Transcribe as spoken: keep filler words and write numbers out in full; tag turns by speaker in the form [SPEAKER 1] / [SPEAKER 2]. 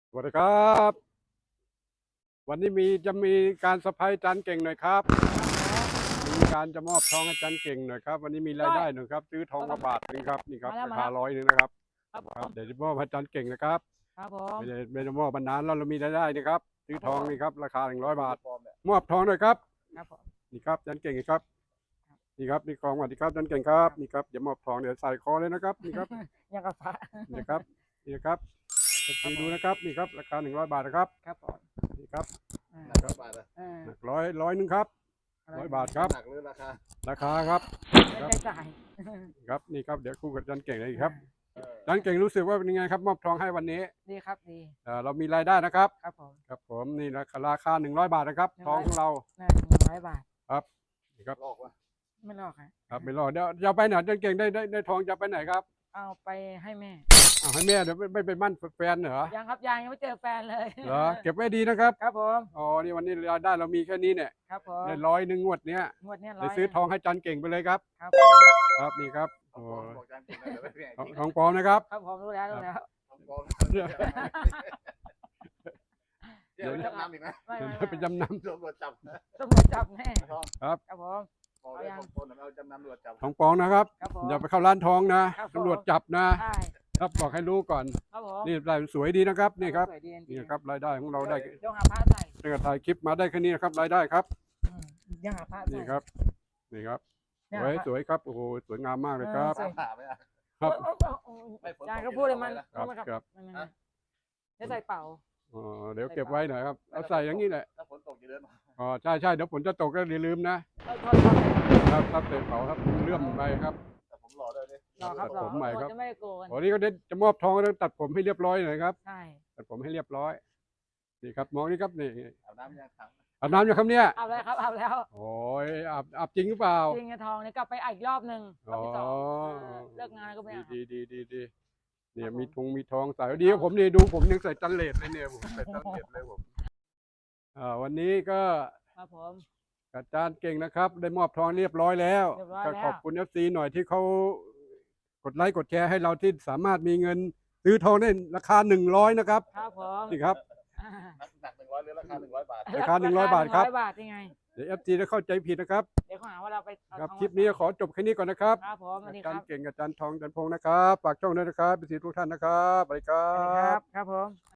[SPEAKER 1] สวัสดีครับวันนี้มีจะมีการเซอร์ไพรส์อาจารย์เก่งหน่อยครับมีการจะมอบทองให้อาจารย์เก่งหน่อยครับวันนี้มีรายได้หน่อยครับซื้อทองมาบาทหนึงครับนี่ครับ
[SPEAKER 2] มาแล้ว
[SPEAKER 1] รา
[SPEAKER 2] มา
[SPEAKER 1] คา
[SPEAKER 2] แล้ว
[SPEAKER 1] ร้อยหนึงนะครับ
[SPEAKER 2] ครับผ
[SPEAKER 1] ครับ
[SPEAKER 2] ม
[SPEAKER 1] เดี๋ยวจะมอบให้อาจารย์เก่งนะครับ
[SPEAKER 2] ครับผม
[SPEAKER 1] ไม่ได้ไม่ได้มอบมานานแล้วเรามีรายได้นี่ครับซื้อทอง
[SPEAKER 2] ครับผม
[SPEAKER 1] นี่ครับราคาหนึ่งร้อยบาทมอบทองหน่อยครับ
[SPEAKER 2] ครับผม
[SPEAKER 1] นี่ครับอาจารย์เก่งครับนี่ครับนี่ของสวัสดีครับอาจารย์เก่งครับนี่ครับเดี๋ยวมอบทองเดี๋ยวใส่คอเลยนะครับนี่ครับ
[SPEAKER 2] ยังกับพระ
[SPEAKER 1] นี่ครับนี่ครับไปดูนะครับนี่ครับราคาหนึ่งร้อยบาทนะครับ
[SPEAKER 2] ครับผม
[SPEAKER 1] นี่ครับ
[SPEAKER 2] อ่า
[SPEAKER 3] หนักร้อยบาทอะ
[SPEAKER 2] อ่า
[SPEAKER 1] หนักร้อยร้อยหนึงครับ
[SPEAKER 2] อะไร
[SPEAKER 1] ร้อยบาทครับ
[SPEAKER 3] หนักหรือราคา
[SPEAKER 1] ราคาครับ
[SPEAKER 2] ไม่ได้จ่าย
[SPEAKER 1] ครับนี่ครับเดี๋ยวคู่กับอาจารย์เก่งเลยครับ
[SPEAKER 3] เออ
[SPEAKER 1] อาจารย์เก่งรู้สึกว่าเป็นยังไงครับมอบทองให้วันนี้
[SPEAKER 2] ดีครับดี
[SPEAKER 1] เอ่อเรามีรายได้นะครับ
[SPEAKER 2] ครับผม
[SPEAKER 1] ครับผมนี่ราคาราคาหนึ่งร้อยบาทนะครับทองของเรา
[SPEAKER 2] น่าหนึ่งร้อยบาท
[SPEAKER 1] ครับนี่ครับ
[SPEAKER 3] ลอกวะ
[SPEAKER 2] ไม่ลอกครับ
[SPEAKER 1] ครับไม่รอเดี๋ยวจะเอาไปไหนอาจารย์เก่งได้ได้ได้ทองจะเอาไปไหนครับ
[SPEAKER 2] เอาไปให้แม่
[SPEAKER 1] เอาให้แม่เดี๋ยวไม่ไม่ไปมั่นแฟนเหรอ
[SPEAKER 2] ยังครับยังยังไม่เจอแฟนเลย
[SPEAKER 1] เหรอเก็บไว้ดีนะครับ
[SPEAKER 2] ครับผม
[SPEAKER 1] อ๋อนี่วันนี้รายได้เรามีแค่นี้เนี่ย
[SPEAKER 2] ครับผม
[SPEAKER 1] ได้ร้อยหนึ่งงวดเนี้ย
[SPEAKER 2] งวดเนี้ยร้
[SPEAKER 1] ได้
[SPEAKER 2] อย
[SPEAKER 1] ซื้อทองให้อาจารย์เก่งไปเลยครับ
[SPEAKER 2] ครับผม
[SPEAKER 1] ครับนี่ครับ
[SPEAKER 3] ทอ
[SPEAKER 1] โอ้
[SPEAKER 3] งปลอมบอกจานจริงนะเดี๋ยวไม่เป็นไง
[SPEAKER 1] ทอง
[SPEAKER 3] จริง
[SPEAKER 1] ทองปลอมนะครับ
[SPEAKER 2] ครับผมรู้แล้วรู้แล้ว
[SPEAKER 3] ทองปลอมเดี๋ยวจำนำอีกนะ
[SPEAKER 2] ไม่ไม่
[SPEAKER 1] ไป
[SPEAKER 2] ไม่
[SPEAKER 1] จำน
[SPEAKER 3] ตำรวจจับนะ
[SPEAKER 2] ตำรวจจับแน่
[SPEAKER 3] ทอง
[SPEAKER 1] ครับ
[SPEAKER 2] ครับผม
[SPEAKER 3] บอกเลยของคนเอาจำนำตำรวจจับ
[SPEAKER 1] ำทองปลอมนะครับ
[SPEAKER 2] ครับผม
[SPEAKER 1] อย่าไปเข้าร้านทองนะครับ
[SPEAKER 2] ผม
[SPEAKER 1] ตำรวจจับนะ
[SPEAKER 2] ใช่
[SPEAKER 1] ครับบอกให้รู้ก่อน
[SPEAKER 2] ครับผม
[SPEAKER 1] นี่รายสวยดีนะครับนี่ครับ
[SPEAKER 2] สวยดีจริงๆ
[SPEAKER 1] นี่ครับรายได้ของเราได้
[SPEAKER 2] เดี๋ยวหาผ้าใส่
[SPEAKER 1] ตั้งแต่ถ่ายคลิปมาได้แค่นี้นะครับรายได้ครับ
[SPEAKER 2] อืมเดี๋ยวหาผ้าใส่
[SPEAKER 1] นี่ครับนี่ครับ
[SPEAKER 2] เนี่
[SPEAKER 1] สวย
[SPEAKER 2] หาผ้า
[SPEAKER 1] สวยครับโอ้โหสวยงามมากเลยครับ
[SPEAKER 2] เออ
[SPEAKER 3] ถามไม่ได้
[SPEAKER 1] ครับ
[SPEAKER 2] โอ้โอ้โอ้
[SPEAKER 3] ไม่ฝนตก
[SPEAKER 2] จานก็พูดเลยมัน
[SPEAKER 1] ครับ
[SPEAKER 2] ไม่
[SPEAKER 1] ครับ
[SPEAKER 2] ไม่ไม่ไม่จะใส่เป่า
[SPEAKER 1] อ๋อเดี๋ยวเก็บไว้หน่อยครับเอาใส่อย่างนี้แหละ
[SPEAKER 3] ถ้าฝนตกจะเดินมา
[SPEAKER 1] อ๋อใช่ใช่เดี๋ยวฝนจะตกก็อย่าลืมนะ
[SPEAKER 2] เอาทอดทอดเลย
[SPEAKER 1] ครับครับเสร็จเผาครับเลื่อมไปครับ
[SPEAKER 3] แต่ผมรอได้เลย
[SPEAKER 2] รอครับร
[SPEAKER 1] ตั
[SPEAKER 2] อ
[SPEAKER 1] ดผมใหม่ครับ
[SPEAKER 2] จะไม่ได้โกน
[SPEAKER 1] วันนี้ก็เดี๋ยวจะมอบทองต้องตัดผมให้เรียบร้อยหน่อยครับ
[SPEAKER 2] ใช่
[SPEAKER 1] ตัดผมให้เรียบร้อยนี่ครับมองนี่ครับนี่
[SPEAKER 3] อาบน้ำยังถัง
[SPEAKER 1] อาบน้ำอยู่ครับเนี่ย
[SPEAKER 2] เอาแล้วครับเอาแล้ว
[SPEAKER 1] โอ้ยอาบอาบจริงหรือเปล่า
[SPEAKER 2] จริงไงทองเนี่ยกลับไปอีกรอบหนึ่งรอบที่สอง
[SPEAKER 1] อ๋อ
[SPEAKER 2] เออเลิกงานก็ไม่เอา
[SPEAKER 1] ดีดีดีดีเนี่ย
[SPEAKER 2] ครับผม
[SPEAKER 1] มีทงมีทองใส่ดีกว่าผมนี่ดูผมยังใส่จันเลดเลยเนี่ยผมใส่จันเลดเลยผมอ่าวันนี้ก็
[SPEAKER 2] ครับผม
[SPEAKER 1] อาจารย์เก่งนะครับ ได้มอบทองเรียบร้อยแล้ว
[SPEAKER 2] เรียบร้อย
[SPEAKER 1] ก็
[SPEAKER 2] แล้ว
[SPEAKER 1] ขอบคุณเอฟซีหน่อยที่เขากดไลค์กดแชร์ให้เราที่สามารถมีเงินซื้อทองได้ราคาหนึ่งร้อยนะครับ
[SPEAKER 2] ครับผม
[SPEAKER 1] นี่ครับ
[SPEAKER 2] อ่า
[SPEAKER 3] หนักหนึ่งร้อยหรือราคาหนึ่งร้อยบาท
[SPEAKER 1] ราคาหนึ่งร้อยบาทครับ
[SPEAKER 2] หนึ่งร้อยบาทยังไง
[SPEAKER 1] เดี๋ยวเอฟซีจะเข้าใจผิดนะครับ
[SPEAKER 2] เดี๋ยวเขาหาว่าเราไปเอา
[SPEAKER 1] ครับ
[SPEAKER 2] ทอง
[SPEAKER 1] คลิปนี้ขอจบแค่นี้ก่อนนะครับ
[SPEAKER 2] ครับผมสวัส
[SPEAKER 1] อา
[SPEAKER 2] ดีค
[SPEAKER 1] จาร
[SPEAKER 2] รับ
[SPEAKER 1] ย์เก่งกับอาจารย์ทองอาจารย์พงศ์นะครับฝากช่องด้วยนะครับเป็นสีทุกท่านนะครับสวัสดีครั
[SPEAKER 2] สวัสดีครับ บครับผม